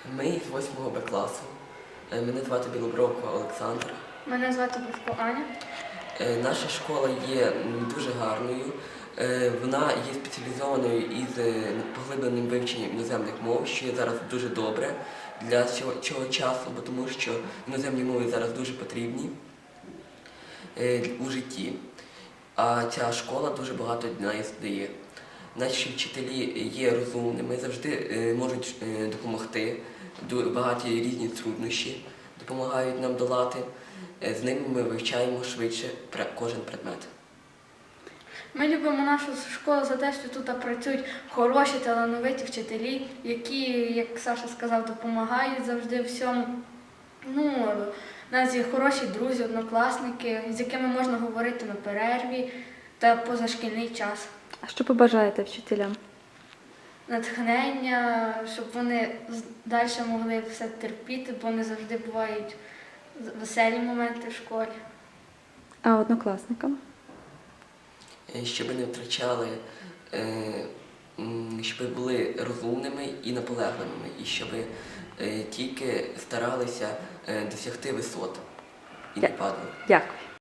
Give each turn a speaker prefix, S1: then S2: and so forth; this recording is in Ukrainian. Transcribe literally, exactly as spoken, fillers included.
S1: Ми з восьмого Б класу. Е, Мене звати Білобровко Олександр.
S2: Мене звати Бровко Аня.
S1: Е, Наша школа є м, дуже гарною. Е, Вона є спеціалізованою із е, поглибленим вивченням іноземних мов, що є зараз дуже добре для цього, цього часу, бо тому що іноземні мови зараз дуже потрібні е, у житті. А ця школа дуже багато для нас дає. Наші вчителі є розумними, завжди е, можуть е, допомогти, Ду- багаті різні труднощі допомагають нам долати. Е, З ними ми вивчаємо швидше пре- кожен предмет.
S2: Ми любимо нашу школу за те, що тут працюють хороші, талановиті вчителі, які, як Саша сказав, допомагають завжди всьому. Ну, у нас є хороші друзі, однокласники, з якими можна говорити на перерві та позашкільний час.
S3: А що побажаєте вчителям?
S2: Натхнення, щоб вони далі могли все терпіти, бо не завжди бувають веселі моменти в школі.
S3: А однокласникам?
S1: Е, Щоб не втрачали, е, м, щоб були розумними і наполегливими, і щоб е, тільки старалися е, досягти висот і не
S3: Дя-
S1: падали.
S3: Дякую.